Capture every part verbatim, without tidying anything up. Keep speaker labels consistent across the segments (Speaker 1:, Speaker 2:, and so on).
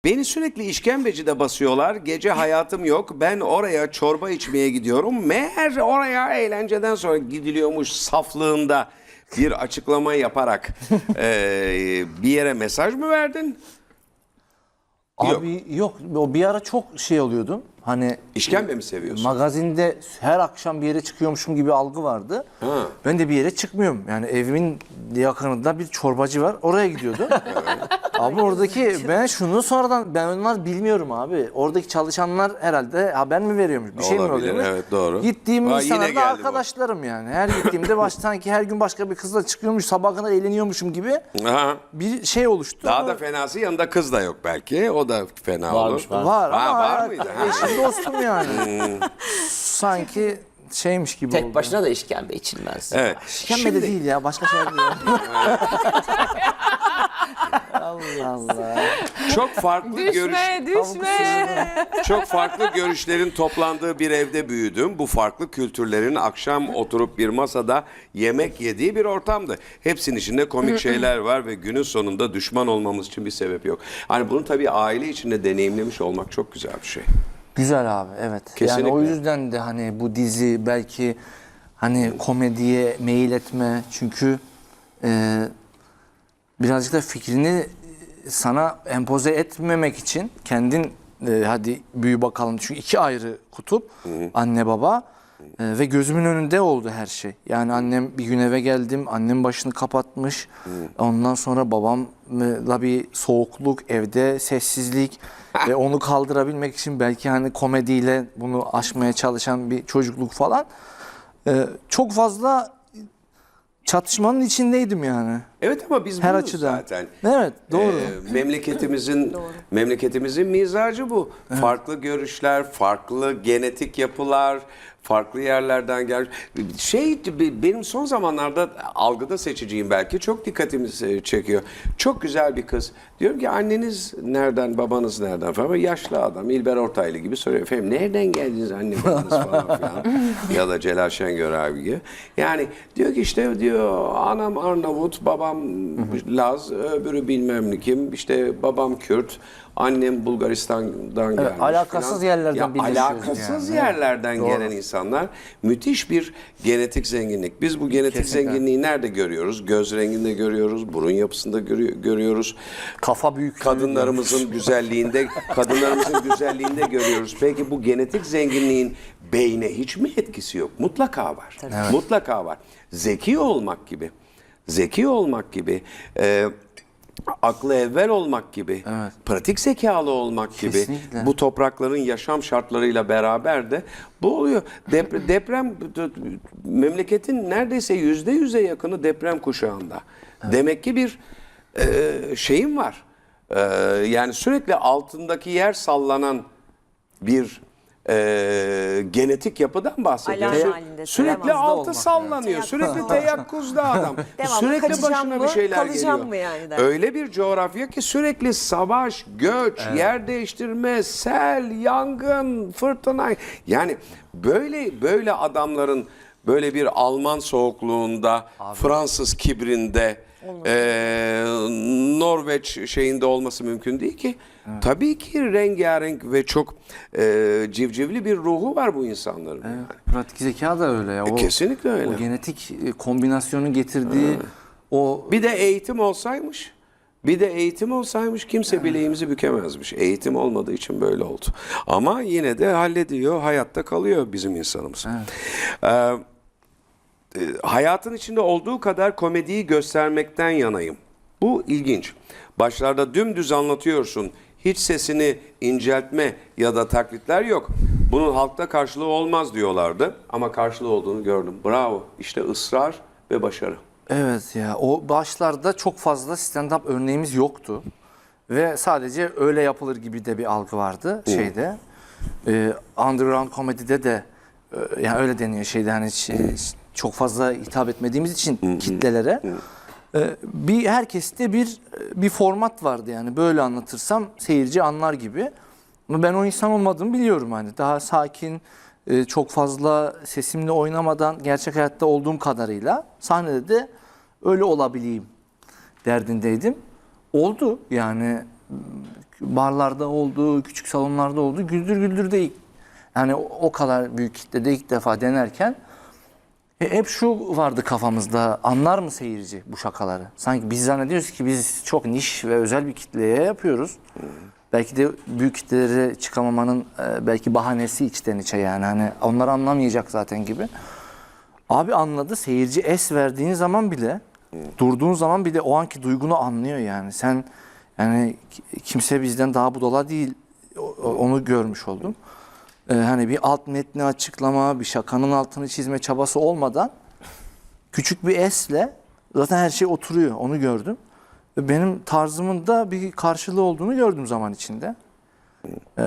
Speaker 1: Beni sürekli işkembecide basıyorlar. Gece hayatım yok. Ben oraya çorba içmeye gidiyorum. Meğer oraya eğlenceden sonra gidiliyormuş saflığında bir açıklama yaparak eee, bir yere mesaj mı verdin?
Speaker 2: Abi yok. O bir ara çok şey oluyordum. Hani
Speaker 1: İşkembe mi seviyorsun?
Speaker 2: magazinde her akşam bir yere çıkıyormuşum gibi algı vardı.
Speaker 1: Ha.
Speaker 2: Ben de bir yere çıkmıyorum. Yani evimin yakınında bir çorbacı var. Oraya gidiyordum. Abi oradaki ben şunu sonradan ben onlar bilmiyorum abi. Oradaki çalışanlar herhalde haber mi veriyormuş? Bir şey mi
Speaker 1: Olabilir,
Speaker 2: oluyormuş?
Speaker 1: evet, doğru.
Speaker 2: Gittiğim
Speaker 1: Aa, yine
Speaker 2: insanlar da
Speaker 1: geldi bu.
Speaker 2: arkadaşlarım yani. Her gittiğimde baş, sanki her gün başka bir kızla çıkıyormuş, sabah kadar eğleniyormuşum gibi
Speaker 1: Aha.
Speaker 2: bir şey oluştu.
Speaker 1: Daha da fenası yanında kız da yok belki. O da fena
Speaker 3: Varmış,
Speaker 1: olur.
Speaker 3: var.
Speaker 2: Var
Speaker 1: Ha,
Speaker 2: ama
Speaker 1: var mıydı? Ha.
Speaker 2: eşim dostum yani. Sanki şeymiş gibi
Speaker 3: Tek
Speaker 2: oldu.
Speaker 3: başına da işkembe içilmez.
Speaker 1: Evet.
Speaker 2: İşkembe
Speaker 1: Şimdi-
Speaker 2: de değil ya, başka şey değil. Allah Allah.
Speaker 1: Çok farklı görüş
Speaker 4: Düşme, düşme.
Speaker 1: Çok farklı görüşlerin toplandığı bir evde büyüdüm. Bu farklı kültürlerin akşam oturup bir masada yemek yediği bir ortamdı. Hepsinin içinde komik şeyler var ve günün sonunda düşman olmamız için bir sebep yok. Hani bunu tabii aile içinde deneyimlemiş olmak çok güzel bir şey.
Speaker 2: Güzel abi, evet.
Speaker 1: Kesinlikle.
Speaker 2: Yani o yüzden de hani bu dizi belki hani komediye meyil etme, çünkü e, birazcık da fikrini sana empoze etmemek için kendin e, hadi büyü bakalım, çünkü iki ayrı kutup, anne baba, e, ve gözümün önünde oldu her şey. Yani annem bir gün eve geldim, annem başını kapatmış, ondan sonra babamla bir soğukluk, evde sessizlik ve onu kaldırabilmek için belki hani komediyle bunu aşmaya çalışan bir çocukluk falan. E, çok fazla çatışmanın içindeydim yani.
Speaker 1: Evet ama biz
Speaker 2: Her
Speaker 1: buyuz
Speaker 2: açıdan.
Speaker 1: zaten.
Speaker 2: Evet, doğru.
Speaker 1: Ee, memleketimizin memleketimizin mizacı bu. Farklı görüşler, farklı genetik yapılar, farklı yerlerden gelmiş. Şey, benim son zamanlarda algıda seçiciyim belki. Çok dikkatimi çekiyor. Çok güzel bir kız. Diyorum ki anneniz nereden, babanız nereden falan. Böyle yaşlı adam, İlber Ortaylı gibi soruyor. Efendim nereden geldiniz anne babanız falan filan. Ya da Celal Şengör abi gibi. Yani diyor ki işte diyor anam Arnavut, babam Laz, öbürü bilmem ne kim. İşte babam Kürt, annem Bulgaristan'dan gelmiş.
Speaker 2: alakasız
Speaker 1: filan.
Speaker 2: yerlerden
Speaker 1: Ya,
Speaker 2: birleşiyoruz
Speaker 1: alakasız
Speaker 2: yani.
Speaker 1: yerlerden
Speaker 2: Doğru.
Speaker 1: gelen insanlar. Müthiş bir genetik zenginlik. Biz bu genetik
Speaker 2: Kesinlikle.
Speaker 1: zenginliği nerede görüyoruz? Göz renginde görüyoruz, burun yapısında görü- görüyoruz.
Speaker 2: Kafa büyüklüğü.
Speaker 1: Kadınlarımızın güzelliğinde, kadınlarımızın güzelliğinde görüyoruz. Peki bu genetik zenginliğin beyne hiç mi etkisi yok? Mutlaka var. Mutlaka var. Zeki olmak gibi, zeki olmak gibi, e, aklı evvel olmak gibi,
Speaker 2: Evet.
Speaker 1: pratik zekalı olmak gibi,
Speaker 2: Kesinlikle.
Speaker 1: bu toprakların yaşam şartlarıyla beraber de bu oluyor. Dep- deprem memleketin neredeyse yüzde yüze yakını deprem kuşağında. Demek ki bir e, şeyim var. E, yani sürekli altındaki yer sallanan bir e, genetik yapıdan bahsediyoruz.
Speaker 4: Alarm halinde,
Speaker 1: Sürekli
Speaker 4: devamlı
Speaker 1: altı
Speaker 2: olmak,
Speaker 1: sallanıyor.
Speaker 4: evet.
Speaker 1: Sürekli teyakkuzda adam.
Speaker 4: Devamlı
Speaker 1: Sürekli
Speaker 4: kaçacağım
Speaker 1: başına
Speaker 4: mı,
Speaker 1: bir şeyler
Speaker 4: kalacağım
Speaker 1: geliyor.
Speaker 4: mı yani der.
Speaker 1: Öyle bir coğrafya ki sürekli savaş, göç, yer değiştirme, sel, yangın, fırtına. Yani böyle böyle adamların böyle bir Alman soğukluğunda, Fransız kibrinde, eee, Norveç şeyinde olması mümkün değil ki. Tabii ki rengarenk ve çok eee, civcivli bir ruhu var bu insanların. yani.
Speaker 2: Pratik zeka da öyle ya. O,
Speaker 1: kesinlikle öyle.
Speaker 2: O genetik e, kombinasyonun getirdiği o
Speaker 1: Bir de eğitim olsaymış, bir de eğitim olsaymış kimse bileğimizi bükemezmiş. Eğitim olmadığı için böyle oldu. Ama yine de hallediyor, hayatta kalıyor bizim insanımız. Ee, e, hayatın içinde olduğu kadar komediyi göstermekten yanayım. Bu ilginç. Başlarda dümdüz anlatıyorsun. Hiç sesini inceltme ya da taklitler yok. Bunun halkta karşılığı olmaz diyorlardı. Ama karşılığı olduğunu gördüm. Bravo. İşte ısrar ve başarı.
Speaker 2: evet ya, o başlarda çok fazla stand-up örneğimiz yoktu. Ve sadece öyle yapılır gibi de bir algı vardı şeyde. Ee, underground komedide de e, yani öyle deniyor şeyde, hani şey, çok fazla hitap etmediğimiz için kitlelere. Ee, bir herkeste bir bir format vardı, yani böyle anlatırsam seyirci anlar gibi. Ama ben o insan olmadığımı biliyorum, hani daha sakin, e, çok fazla sesimle oynamadan gerçek hayatta olduğum kadarıyla sahnede de öyle olabileyim derdindeydim. Oldu yani, barlarda oldu, küçük salonlarda oldu. Güldür Güldür de ilk, yani o, o kadar büyük kitlede ilk defa denerken e, hep şu vardı kafamızda, anlar mı seyirci bu şakaları? Sanki biz zannediyoruz ki biz çok niş ve özel bir kitleye yapıyoruz. Hmm. Belki de büyük kitlelere çıkamamanın e, belki bahanesi içten içe, yani hani onlar anlamayacak zaten gibi. Abi anladı, seyirci es verdiğin zaman bile, hmm. durduğun zaman bile o anki duygunu anlıyor yani. Sen yani kimse bizden daha budala değil, onu görmüş oldum. Ee, hani bir alt metni açıklama, bir şakanın altını çizme çabası olmadan küçük bir esle zaten her şey oturuyor, onu gördüm. Ve benim tarzımın da bir karşılığı olduğunu gördüm zaman içinde. Ee,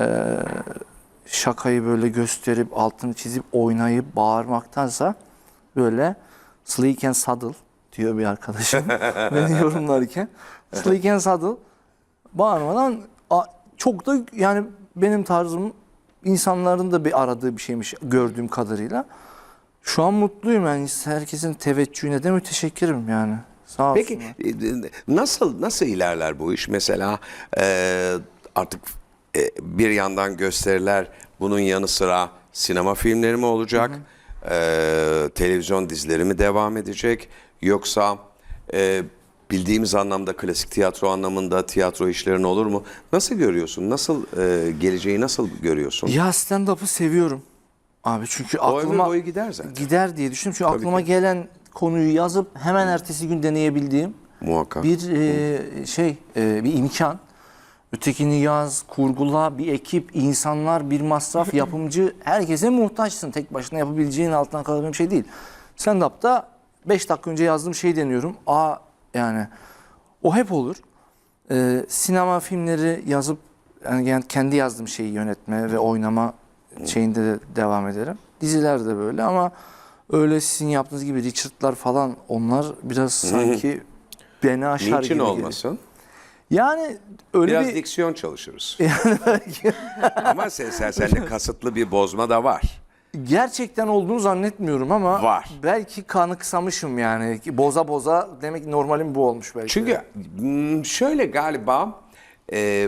Speaker 2: şakayı böyle gösterip, altını çizip, oynayıp, bağırmaktansa böyle sleek and subtle diyor bir arkadaşım beni yorumlarken. Sleek and subtle, bağırmadan çok da yani benim tarzım insanların da bir aradığı bir şeymiş gördüğüm kadarıyla. Şu an mutluyum yani, herkesin teveccühüne de müteşekkirim yani. Sağ olsunlar.
Speaker 1: Peki nasıl nasıl ilerler bu iş? Mesela e, artık e, bir yandan gösteriler, bunun yanı sıra sinema filmleri mi olacak? Hı hı. E, televizyon dizileri mi devam edecek? Yoksa e, bildiğimiz anlamda klasik tiyatro anlamında tiyatro işlerin olur mu? Nasıl görüyorsun? Nasıl e, geleceği nasıl görüyorsun?
Speaker 2: Ya stand-up'ı seviyorum abi, çünkü
Speaker 1: O ömür
Speaker 2: aklıma
Speaker 1: boyu gider zaten.
Speaker 2: gider diye düşündüm. Çünkü
Speaker 1: Tabii
Speaker 2: aklıma
Speaker 1: ki.
Speaker 2: gelen konuyu yazıp hemen ertesi gün deneyebildiğim
Speaker 1: Muhakkak.
Speaker 2: bir e, şey, e, bir imkan. Ötekini yaz, kurgula, bir ekip, insanlar, bir masraf, yapımcı, herkese muhtaçsın. Tek başına yapabileceğin, altından kalacağın bir şey değil. Stand-up'ta beş dakika önce yazdığım şeyi deniyorum. Aa yani o hep olur. Ee, sinema filmleri yazıp yani kendi yazdığım şeyi yönetme ve oynama şeyinde de devam ederim. Diziler de böyle ama öyle sizin yaptığınız gibi Richard'lar falan, onlar biraz sanki beni aşar
Speaker 1: Niçin
Speaker 2: gibi
Speaker 1: olmasın?
Speaker 2: geliyor. Yani öyle
Speaker 1: Biraz
Speaker 2: bir...
Speaker 1: diksiyon çalışırız.
Speaker 2: Yani belki...
Speaker 1: Ama sen, sen, sende kasıtlı bir bozma da var.
Speaker 2: Gerçekten olduğunu zannetmiyorum ama
Speaker 1: Var.
Speaker 2: belki kanıksamışım yani. Boza boza, demek ki normalim bu olmuş belki.
Speaker 1: Çünkü m, şöyle galiba e,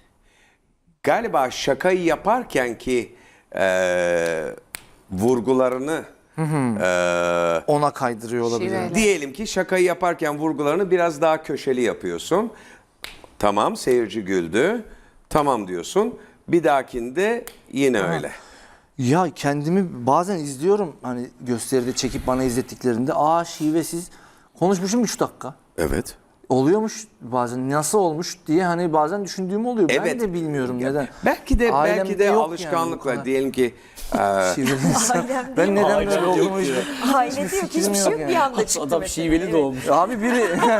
Speaker 1: galiba şakayı yaparken ki e, vurgularını e,
Speaker 2: ona kaydırıyor olabilir.
Speaker 4: Şiveyle.
Speaker 1: diyelim ki şakayı yaparken vurgularını biraz daha köşeli yapıyorsun. Tamam, seyirci güldü. Tamam diyorsun. Bir dahakinde yine öyle.
Speaker 2: Ya kendimi bazen izliyorum, hani gösteride çekip bana izlettiklerinde, aa şivesiz konuşmuşum üç dakika.
Speaker 1: Evet.
Speaker 2: Oluyormuş bazen, nasıl olmuş diye hani bazen düşündüğüm oluyor. Ben
Speaker 1: Evet.
Speaker 2: de bilmiyorum neden.
Speaker 1: Belki de
Speaker 2: Ailemde
Speaker 1: belki de
Speaker 2: yok yani
Speaker 1: alışkanlıkla
Speaker 2: bu kadar.
Speaker 1: diyelim ki e,
Speaker 2: Şiveli insan.
Speaker 4: Ailemde
Speaker 2: Ben
Speaker 4: yok.
Speaker 2: neden
Speaker 3: Ailemde
Speaker 2: böyle
Speaker 3: yok
Speaker 2: olduğumu
Speaker 3: diyor.
Speaker 2: hiç-
Speaker 4: Ailede yok,
Speaker 2: fikrim
Speaker 4: hiçbir şey
Speaker 2: yok
Speaker 4: yok
Speaker 2: yani.
Speaker 4: bir anda çıktı
Speaker 3: Adam
Speaker 4: mesela.
Speaker 3: şiveli
Speaker 4: Evet.
Speaker 3: doğmuş.
Speaker 2: Abi biri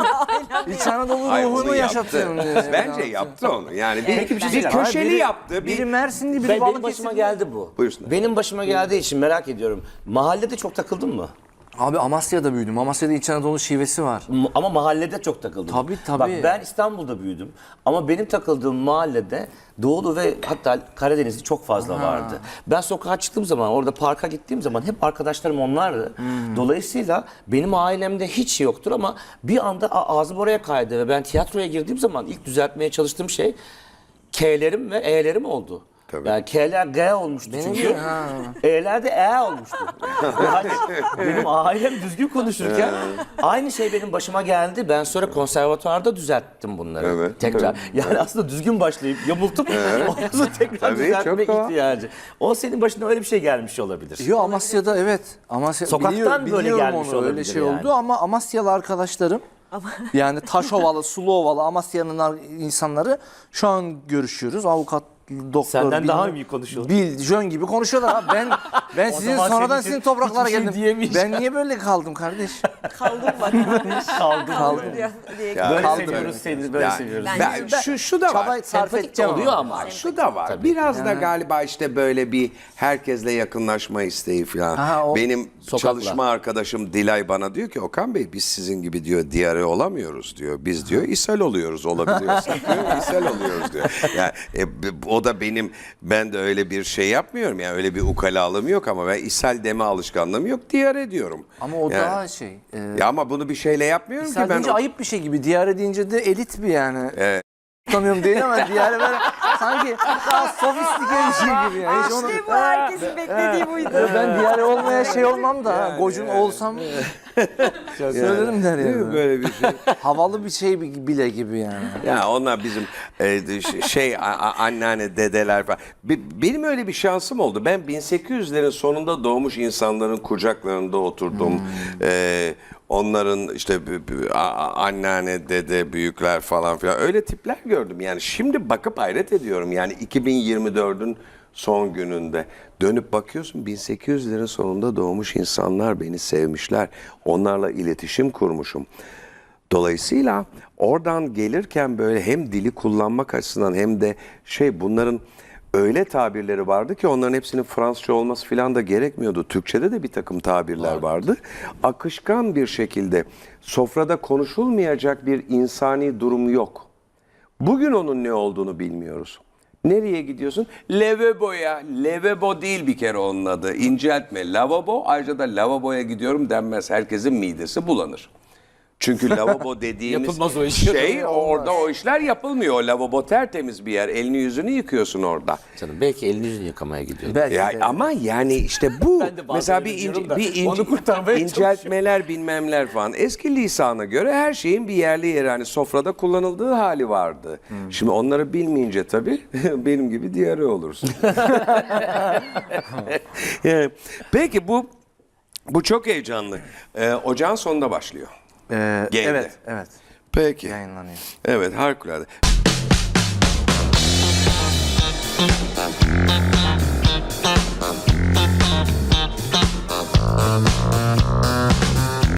Speaker 2: İç Anadolu
Speaker 1: Ay, onu
Speaker 2: ruhunu
Speaker 1: yaptı.
Speaker 2: yaşatıyorum diye.
Speaker 1: Bence yaptı onu. Yani bir,
Speaker 4: Peki bir şey
Speaker 1: bir
Speaker 3: söyleyeceğim.
Speaker 1: köşeli
Speaker 2: Biri-
Speaker 1: yaptı.
Speaker 2: Biri
Speaker 1: Bir,
Speaker 2: Mersinli, biri
Speaker 3: Ben, benim
Speaker 2: Balıkesirli.
Speaker 3: başıma geldi bu.
Speaker 1: Buyursunlar.
Speaker 3: Benim başıma geldiği için merak ediyorum. Mahallede çok takıldın mı?
Speaker 2: Abi Amasya'da büyüdüm. Amasya'da İç Anadolu şivesi var.
Speaker 3: M- Ama mahallede çok takıldım.
Speaker 2: Tabii, tabii.
Speaker 3: Bak ben İstanbul'da büyüdüm. Ama benim takıldığım mahallede Doğulu ve hatta Karadenizli çok fazla vardı. Ben sokağa çıktığım zaman, orada parka gittiğim zaman hep arkadaşlarım onlardı.
Speaker 2: Hmm.
Speaker 3: Dolayısıyla benim ailemde hiç yoktur ama bir anda a- ağzım oraya kaydı ve ben tiyatroya girdiğim zaman ilk düzeltmeye çalıştığım şey K'lerim ve E'lerim oldu.
Speaker 1: Tabii.
Speaker 3: Yani K'ler G olmuştu
Speaker 2: Benim
Speaker 3: çünkü.
Speaker 2: gibi, ha.
Speaker 3: E'ler de E olmuştu. Yani benim ailem düzgün konuşurken aynı şey benim başıma geldi. Ben sonra konservatuvarda düzelttim bunları.
Speaker 1: Evet,
Speaker 3: Tekrar. Yani aslında düzgün başlayıp yamultup ondan sonra tekrar
Speaker 1: Tabii,
Speaker 3: düzeltmek
Speaker 1: çok doğal.
Speaker 3: ihtiyacı. O senin başına öyle bir şey gelmiş olabilir.
Speaker 2: Yo, Amasya'da evet. Amasya,
Speaker 3: Sokaktan
Speaker 2: biliyorum,
Speaker 3: böyle
Speaker 2: biliyorum
Speaker 3: gelmiş
Speaker 2: onu, öyle
Speaker 3: olabilir
Speaker 2: şey
Speaker 3: yani.
Speaker 2: oldu ama Amasyalı arkadaşlarım yani Taşovalı, Suluovalı, Amasya'nın ar- insanları şu an görüşüyoruz. Avukat, doktor.
Speaker 3: Senden daha
Speaker 2: bilmem-
Speaker 3: iyi konuşuyorlar.
Speaker 2: Bil, jön gibi konuşuyorlar abi. Ben ben sizin
Speaker 3: zaman
Speaker 2: sonradan
Speaker 3: senin
Speaker 2: sizin
Speaker 3: için
Speaker 2: topraklara
Speaker 3: hiçbir şey
Speaker 2: geldim.
Speaker 3: diyemeyeceğim.
Speaker 2: Ben niye böyle kaldım kardeş?
Speaker 4: Kaldım bak.
Speaker 3: Kaldı.
Speaker 2: Kaldım.
Speaker 4: diye- diye-
Speaker 1: Ya,
Speaker 3: Böyle
Speaker 2: Kaldı
Speaker 3: seviyoruz
Speaker 2: böyle.
Speaker 3: seni, böyle
Speaker 1: Yani
Speaker 3: seviyoruz.
Speaker 1: ben, şu, şu da
Speaker 2: Çaba
Speaker 1: var.
Speaker 2: sarf
Speaker 3: Sempatik de
Speaker 2: edeceğim
Speaker 3: oluyor
Speaker 2: ama.
Speaker 3: ama.
Speaker 1: Şu da var. Biraz da galiba işte böyle bir herkesle yakınlaşma isteği falan.
Speaker 2: Ha, o-
Speaker 1: Benim
Speaker 3: Sokakla.
Speaker 1: çalışma arkadaşım Dilay bana diyor ki Okan Bey biz sizin gibi diyor diyare olamıyoruz diyor. Biz diyor ishal oluyoruz olabiliyorsak diyor ishal oluyoruz diyor. Yani e, b- o da benim ben de öyle bir şey yapmıyorum yani öyle bir ukalalığım yok ama ben ishal deme alışkanlığım yok diyare diyorum.
Speaker 2: Ama o
Speaker 1: Yani-
Speaker 2: daha şey. E,
Speaker 1: Ya ama bunu bir şeyle yapmıyorum ki ben.
Speaker 2: Sadece
Speaker 1: o-
Speaker 2: ayıp bir şey gibi. Diyare deyince de elit bir yani.
Speaker 1: Evet.
Speaker 2: tutamıyorum değil ama diğeri böyle sanki daha sofistike bir şey gibi yani. Hiç onu-
Speaker 4: İşte bu herkesin beklediği buydu.
Speaker 2: Ben diğeri olmaya şey olmam da gocun olsam söylerim der
Speaker 1: Değil mi
Speaker 2: yani.
Speaker 1: böyle bir şey?
Speaker 2: Havalı bir şey bile gibi yani.
Speaker 1: Ya onlar bizim e, ş- şey a- a- anneanne dedeler falan. Be- Benim öyle bir şansım oldu. Ben bin sekiz yüzlerin sonunda doğmuş insanların kucaklarında oturdum. E, onların işte b- b- a- a- anneanne, dede, büyükler falan filan öyle tipler gördüm. Yani şimdi bakıp hayret ediyorum. Yani iki bin yirmi dördün son gününde dönüp bakıyorsun bin sekiz yüzlerin sonunda doğmuş insanlar beni sevmişler. Onlarla iletişim kurmuşum. Dolayısıyla oradan gelirken böyle hem dili kullanmak açısından hem de şey bunların öyle tabirleri vardı ki onların hepsinin Fransızca olması falan da gerekmiyordu. Türkçede de bir takım tabirler vardı. Akışkan bir şekilde sofrada konuşulmayacak bir insani durum yok. Bugün onun ne olduğunu bilmiyoruz. Nereye gidiyorsun? Lavaboya. Lavabo değil bir kere onun adı. İnceltme. Lavabo. Ayrıca da lavaboya gidiyorum denmez. Herkesin midesi bulanır. Çünkü lavabo dediğimiz
Speaker 3: Yapılmaz o iş.
Speaker 1: şey orada o işler yapılmıyor. O lavabo tertemiz bir yer. Elini yüzünü yıkıyorsun orada.
Speaker 3: Canım belki elini yüzünü yıkamaya gidiyor.
Speaker 2: Belki
Speaker 1: Ya
Speaker 2: de.
Speaker 1: ama yani işte bu
Speaker 3: Ben de bazen
Speaker 1: mesela
Speaker 3: öyle
Speaker 1: bir,
Speaker 3: diyorum
Speaker 1: ince,
Speaker 3: da
Speaker 1: bir ince-
Speaker 3: onu kurtarmaya
Speaker 1: inceltmeler bilmemler falan eski lisana göre her şeyin bir yerli yeri hani sofrada kullanıldığı hali vardı. Şimdi onları bilmeyince tabii benim gibi diyarı olursun. Yani, peki bu bu çok heyecanlı. Ee, ocağın sonunda başlıyor.
Speaker 2: Ee,
Speaker 1: Game'de.
Speaker 2: evet, evet.
Speaker 1: Peki.
Speaker 2: Yayınlanıyor.
Speaker 1: Evet harikulade.